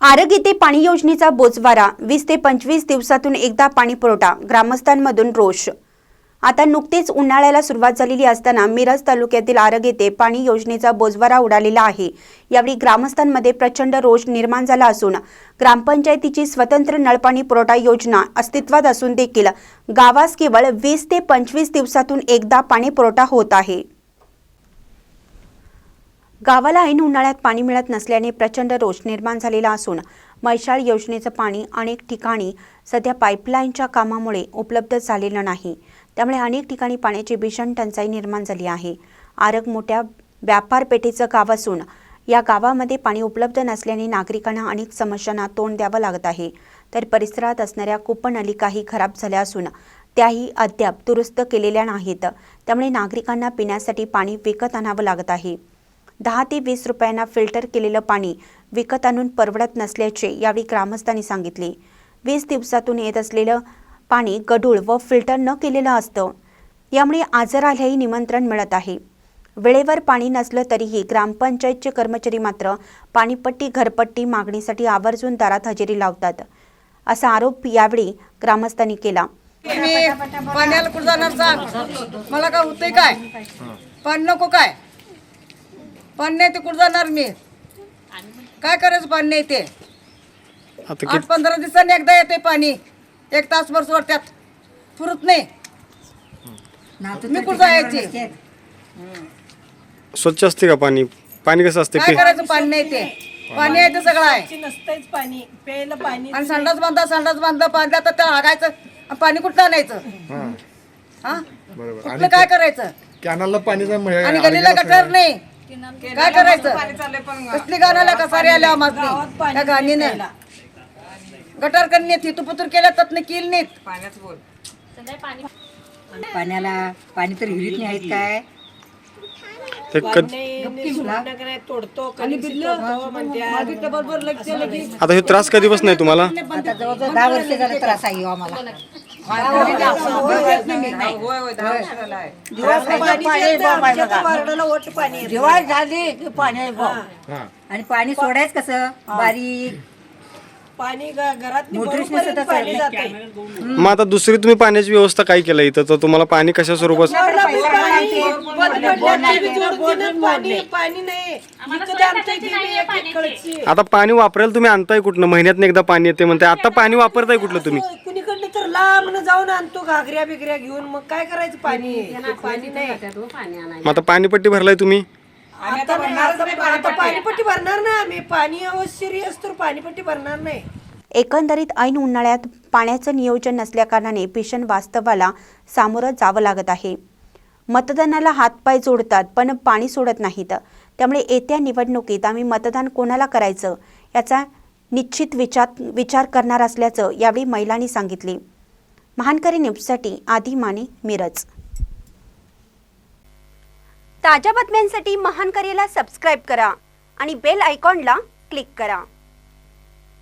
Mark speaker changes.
Speaker 1: आरग येथे पाणी योजनेचा बोजवारा 20 ते 25 दिवसातून एकदा पाणी पुरवठा, ग्रामस्थांमधून रोष। आता नुकतेच उन्हाळ्याला सुरुवात झालेली असताना मिरज तालुक्यातील आरग येथे पाणी योजनेचा बोजवारा उडालेला आहे। यावेळी ग्रामस्थांमध्ये प्रचंड रोष निर्माण झाला असून ग्रामपंचायतीची स्वतंत्र नळपाणी पुरवठा योजना अस्तित्वात असून देखील गावास केवळ 20 ते 25 दिवसातून एकदा पाणी पुरवठा होत आहे। गावाला ऐन उन्हाळ्यात पाणी मिळत नसल्याने प्रचंड रोष निर्माण झालेला असून मैशाळ योजनेचं पाणी अनेक ठिकाणी सध्या पाईपलाईनच्या कामामुळे उपलब्ध झालेलं नाही। त्यामुळे अनेक ठिकाणी पाण्याची भीषण टंचाई निर्माण झाली आहे। आरग मोठ्या व्यापारपेठेचं गाव असून या गावामध्ये पाणी उपलब्ध नसल्याने नागरिकांना अनेक समस्यांना तोंड द्यावं लागत आहे। तर परिसरात असणाऱ्या कूपनलिकाही खराब झाल्या असून त्याही अद्याप दुरुस्त केलेल्या नाहीत। त्यामुळे नागरिकांना पिण्यासाठी पाणी विकत आणावं लागत आहे। 10 ते 20 रुपयांना फिल्टर केलेलं पाणी विकत आणून परवडत नसल्याचे यावेळी ग्रामस्थांनी सांगितले। 20 दिवसातून येत असलेलं पाणी गढूळ व फिल्टर न केलेलं असतं, यामुळे आजारालाही निमंत्रण मिळत आहे। वेळेवर पाणी नसलं तरीही ग्रामपंचायतचे कर्मचारी मात्र पाणीपट्टी घरपट्टी मागणीसाठी आवर्जून दारात हजेरी लावतात, असा आरोप यावेळी ग्रामस्थांनी केला।
Speaker 2: पाण्याला कुठं जाणार सांग, मला काय होतंय काय? पाणी नको काय? पाणी नाही ते कुठं जाणार मी? काय करायचं? पाणी नाही ते 8-15 दिवसांनी एकदा येते पाणी, 1 तासभर सोडत्यात, पुरत नाही। मी कुठं जायची?
Speaker 3: स्वच्छ असते का पाणी? पाणी कसं असते?
Speaker 2: काय करायचं? पाणी नाही ते पाणी आहे ते सगळं आहे
Speaker 4: नसतंच पाणी प्यायला पाणी
Speaker 2: आणि संडास बांधलं पाणी आता त्या हागायचं पाणी कुठं आणायचं? हा कुठलं काय करायचं?
Speaker 5: कॅनलला पाणी
Speaker 2: आणि गलीला गटर नाही, काय करायचं? कसली गाण्याला कसारी आल्या आम्हाला त्या गाणीने गटर करणे थितुपुतूर केल्या तर किल नाहीत।
Speaker 6: पाण्याला पाणी तर विहिरीत नाही आहेत काय?
Speaker 4: तोडतो
Speaker 3: आता हे त्रास कधीपासून नाही तुम्हाला?
Speaker 6: आता जवळजवळ 10 वर्ष झाले त्रास आहे आम्हाला। आणि पाणी सोडायचं कसं? बारीक
Speaker 4: पाणी घरात
Speaker 3: मग आता दुसरी तुम्ही पाण्याची व्यवस्था काय केलं इथं? तर तुम्हाला पाणी कशा स्वरूपात?
Speaker 4: पाणी नाही।
Speaker 3: आता पाणी वापरायला तुम्ही आणताय कुठनं? महिन्यात एकदा पाणी येते म्हणते, आता पाणी वापरताय कुठलं तुम्ही?
Speaker 4: कुणीकडनं तर लांब जाऊन आणतो घागऱ्या बिगऱ्या घेऊन, मग काय करायचं? पाणी पाणी नाही।
Speaker 3: मग आता पाणीपट्टी भरलाय तुम्ही?
Speaker 4: आता पाणीपट्टी भरणार ना आम्ही, पाणी अवश्य असतो, पाणीपट्टी भरणार नाही।
Speaker 1: एकंदरीत ऐन उन्हाळ्यात पाण्याचं नियोजन नसल्याकारणाने भीषण वास्तवाला सामोरं जावं लागत आहे। मतदानाला हातपाय जोडतात पण पाणी सोडत नाहीत। त्यामुळे येत्या निवडणुकीत आम्ही मतदान कोणाला करायचं याचा निश्चित विचार करणार असल्याचं यावेळी महिलांनी सांगितले। महानकरी न्यूजसाठी आदी माने, मिरज। ताज्या बातम्यांसाठी महानकरीला सबस्क्राइब करा आणि बेल आयकॉनला क्लिक करा।